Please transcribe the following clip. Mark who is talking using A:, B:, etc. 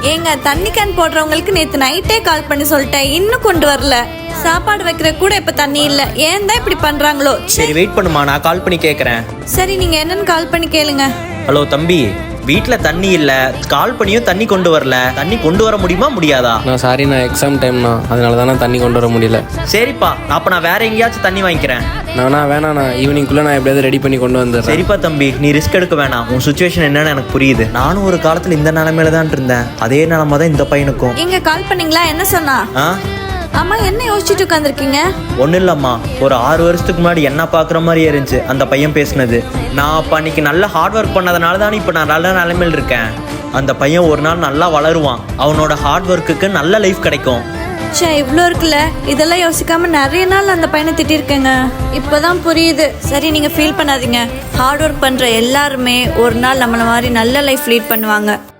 A: ஏங்க தண்ணி கேன் போடுறவங்களுக்கு நேத்து நைட்டே கால் பண்ணி சொல்லிட்டேன், இன்னும் கொண்டு வரல. சாப்பாடு வைக்கிற கூட இப்ப தண்ணி இல்ல. ஏன் தான் இப்படி பண்றாங்களோ.
B: சரி வெயிட் பண்ணுமா, நான் கால் பண்ணி கேட்குறேன்.
A: சரி நீங்க என்னன்னு கால் பண்ணி கேளுங்க.
B: ஹலோ தம்பி, வீட்டில் தண்ணி இல்லை, கால் பண்ணியும் தண்ணி கொண்டு வரல. தண்ணி கொண்டு வர முடியுமா முடியாதா?
C: நான் சாரி, நான் எக்ஸாம் டைம்ண்ணா, அதனால தானே தண்ணி கொண்டு வர முடியல.
B: சரிப்பா, அப்போ நான் வேற எங்கேயாச்சும் தண்ணி வாங்கிக்கிறேன்.
C: வேணாண்ணா, ஈவினிங்குள்ளே நான் எப்படியாவது ரெடி பண்ணி கொண்டு வந்துடுறேன்.
B: சரிப்பா தம்பி, நீ ரிஸ்க் எடுக்க வேணாம். உன் சுச்சுவேஷன் என்னன்னு எனக்கு புரியுது. நானும் ஒரு காலத்தில் இந்த நிலைமையில தான் இருந்தேன். அதே நிலைமை தான் இந்த பையனுக்கும்.
A: எங்க கால் பண்ணீங்களா? என்ன சொன்னா? அம்மா என்ன யோசிச்சுட்டு உட்காந்துருக்கீங்க?
B: ஒன்றும் இல்லைம்மா, ஒரு 6 வருஷத்துக்கு முன்னாடி என்ன பார்க்குற மாதிரி இருந்துச்சு அந்த பையன் பேசுனது. நான் அப்போ அன்னைக்கு நல்ல ஹார்ட் ஒர்க் பண்ணதுனால தான் இப்போ நான் நல்ல நிலைமையில் இருக்கேன். அந்த பையன் ஒரு நாள் நல்லா வளருவான், அவனோட ஹார்ட் ஒர்க்குக்கு நல்ல லைஃப் கிடைக்கும்.
A: சே, இவ்வளோ இருக்குல்ல, இதெல்லாம் யோசிக்காம நிறைய நாள் அந்த பையனை திட்டிருக்கேங்க. இப்போதான் புரியுது. சரி நீங்க ஃபீல் பண்ணாதீங்க. ஹார்ட் ஒர்க் பண்ற எல்லாருமே ஒரு நாள் நம்மள மாதிரி நல்ல லைஃப் லீட் பண்ணுவாங்க.